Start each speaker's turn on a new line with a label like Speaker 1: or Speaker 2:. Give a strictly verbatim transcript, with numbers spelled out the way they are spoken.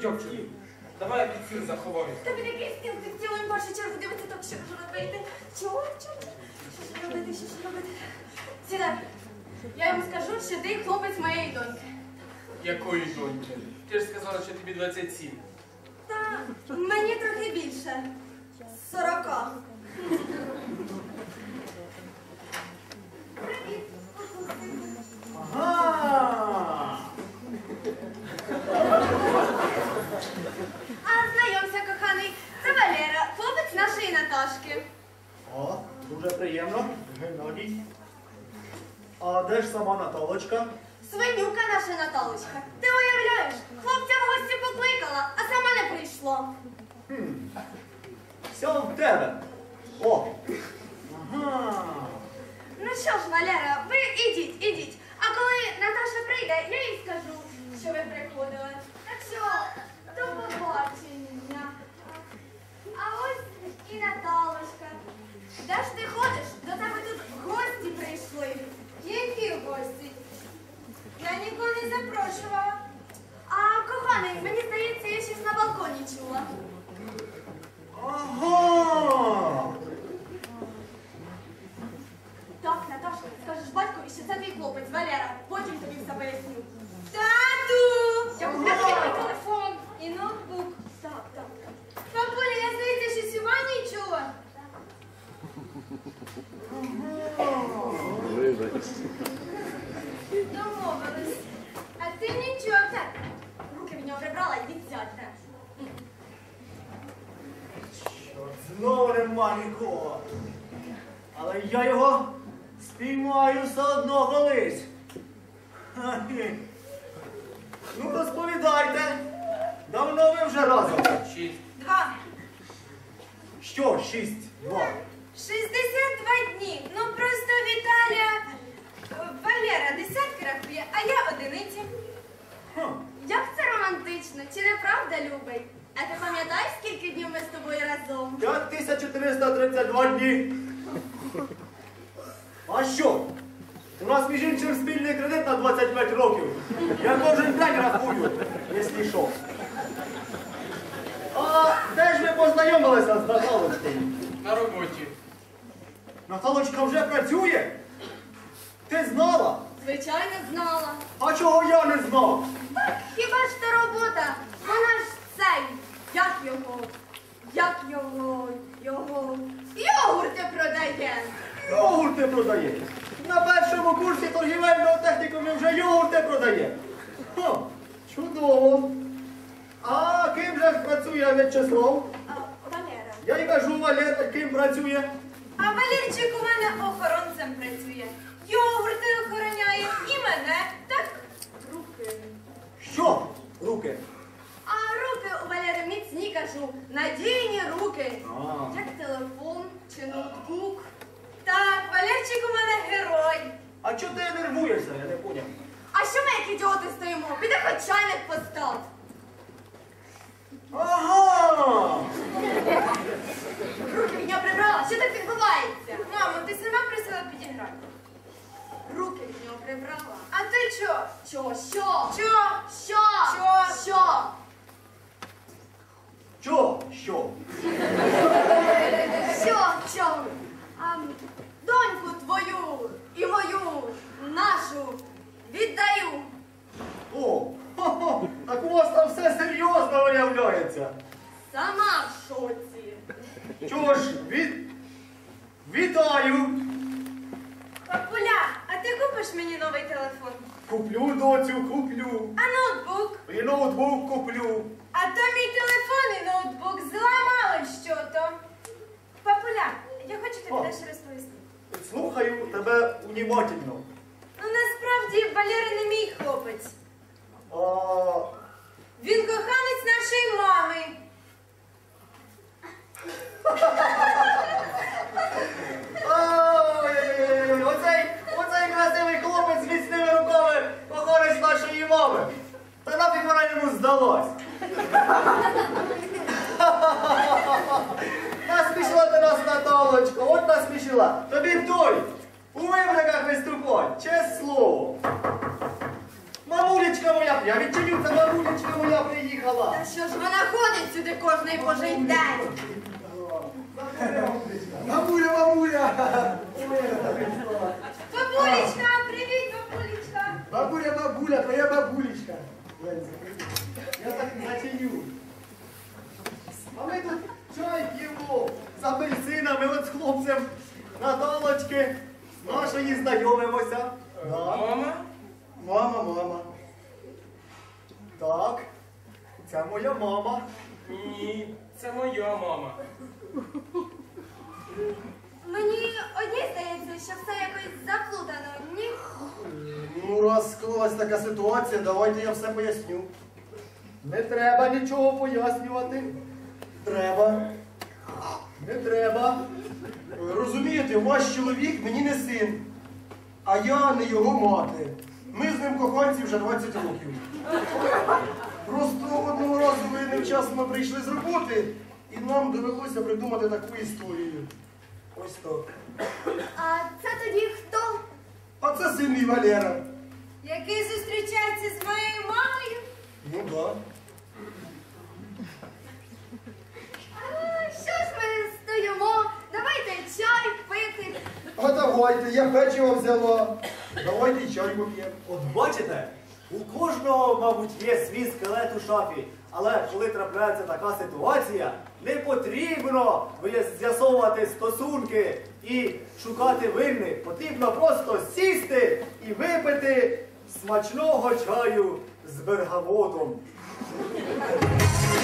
Speaker 1: Дьовчик, давай я під стіл заховаю.
Speaker 2: Тобі такий стіл, ти в цілому першу чергу дивиться, так що ж робити? Чого? Чого? Що ж робити? Що ж робити? Сідай. Я йому скажу, що ти хлопець моєї доньки.
Speaker 1: Якої доньки? Ти ж сказала, що тобі двадцять сім.
Speaker 2: Та мені трохи більше. Сорока. Привіт.
Speaker 3: Ага!
Speaker 2: А знайомся, коханий. Це Валера, хлопець нашої Наташки.
Speaker 3: О, дуже приємно. Геннадій. А де ж сама Наталочка?
Speaker 2: Свинюка наша Наталочка. Ти уявляєш, хлопця в гості покликала, а сама не прийшло.
Speaker 3: Хм. Все в тебе. О! Ага.
Speaker 2: Ну що ж, Валера, ви ідіть, ідіть. А коли Наташа прийде, я їй скажу, що ви приходили. Так що, до побачення. А ось і Наталочка. Де ж ти ходиш? До тебе тут гості прийшли. Які гості? Я нікого не запрошувала. А, коханий, мені здається, я щось на балконі чула.
Speaker 3: Ага!
Speaker 2: Так, Наташа, скажеш батькові, що це твій хлопець, Валера. Потім тобі все поясню. Тату! Я купила мій телефон і ноутбук. Так, так, так. Папуля, я, здається, щось у ванні чула. Домовились. А ти нічого, так. Руки від нього прибрала і відсядьте.
Speaker 3: Чорт, знову нема нікого. Але я його спіймаю все одно колись. Ха-хі. Ну, розповідайте. Давно ви вже разом?
Speaker 1: Шість.
Speaker 2: Два.
Speaker 3: Що, шість, два?
Speaker 2: шістдесят два дні. Ну просто Віталя, е, Валера десятки рахує, а я одиниці.
Speaker 3: Хм.
Speaker 2: Як це романтично, чи не правда, любий? А ти пам'ятаєш, скільки днів ми з тобою разом?
Speaker 3: п'ять тисяч чотириста тридцять два дні. А що? У нас, між іншим, спільний кредит на двадцять п'ять років. Я кожен день рахую, якщо що. А де ж ви познайомилися з Наталочкою?
Speaker 1: На роботі.
Speaker 3: Наталочка вже працює? Ти знала?
Speaker 2: Звичайно, знала.
Speaker 3: А чого я не знав?
Speaker 2: Так, хіба ж та робота? Вона ж цей, як його, як його, його, йогурти продає.
Speaker 3: Йогурти продає. На першому курсі торгівельного технікуму вже йогурти продає. Ха, чудово. А ким же ж працює В'ячеслав?
Speaker 2: А, Валера.
Speaker 3: Я й кажу, Валера, ким працює?
Speaker 2: А Валерчик у мене охоронцем працює. Йогурти охороняє і мене, так руки.
Speaker 3: Що? Руки.
Speaker 2: А руки у Валери міцні, кажу, надійні руки.
Speaker 3: А.
Speaker 2: Як телефон чи ноутбук. Так, Валерчик у мене герой.
Speaker 3: А чого ти нервуєшся? Я не поняв.
Speaker 2: А що ми, як ідіоти, стоїмо? Піди хоч чайник постав.
Speaker 3: Ага!
Speaker 2: Руки від нього прибрала. Що так відбувається? Мамо, ти сама просила підіграти. Руки від нього прибрала. А ти що? Що? Що? Що? Що? Що? Що?
Speaker 3: Чо? Що?
Speaker 2: Що? Що? А, доньку твою і мою, нашу, віддаю.
Speaker 3: О, хо-хо, так у вас там все серйозно виявляється.
Speaker 2: Сама в шоці.
Speaker 3: Чого ж, від... вітаю.
Speaker 2: Папуля, а ти купиш мені новий телефон?
Speaker 3: Куплю, доцю, куплю.
Speaker 2: А ноутбук?
Speaker 3: І ноутбук куплю.
Speaker 2: А то мій телефон і ноутбук зламали що-то. Папуля, я хочу тобі
Speaker 3: О.
Speaker 2: дещо розповісти.
Speaker 3: Слухаю тебе унімательно.
Speaker 2: Ну насправді Валера не мій хлопець.
Speaker 3: А...
Speaker 2: Він коханець нашої мами.
Speaker 3: Ой, оцей, оцей красивий хлопець з міцними руками коханець нашої мами. Та нафіг вона йому здалась. Насмішила ти нас, Наталочко, от насмішила. Тобі б той, у вибриках виступать, чесне слово. Мамулечка моя я відчиню, це бабулечка моя приїхала.
Speaker 2: Та що ж вона ходить сюди кожний божий день?
Speaker 3: Бабуля, бабуля!
Speaker 2: Бабулечка, привіт, бабулечка.
Speaker 3: Бабуля, бабуля, твоя бабулечка. Я так і зачиню. А ми тут чай п'ємо з апельсинами, от з хлопцем Наталочки. З нашої знайомимося. Да.
Speaker 1: Мама?
Speaker 3: Мама, мама. Так, це моя мама.
Speaker 1: Ні, це моя мама.
Speaker 2: Мені одній здається, що все якось заплутано, ні?
Speaker 3: Ну, раз склалась така ситуація, давайте я все поясню. Не треба нічого пояснювати. Треба. Не треба. Розумієте, ваш чоловік мені не син, а я не його мати. Ми з ним коханці вже двадцять років. Просто одного разу ви невчасно прийшли з роботи, і нам довелося придумати таку історію. Ось так.
Speaker 2: А це тоді хто?
Speaker 3: А це син мій Валера.
Speaker 2: Який зустрічається з моєю мамою?
Speaker 3: Ну так.
Speaker 2: А, що ж ми стоїмо? Давайте чай пити.
Speaker 3: А давайте, я печиво взяла. Давайте чай поп'ємо.
Speaker 4: От бачите, у кожного, мабуть, є свій скелет у шафі. Але коли трапляється така ситуація, не потрібно з'ясовувати стосунки і шукати винних. Потрібно просто сісти і випити смачного чаю з бергамотом.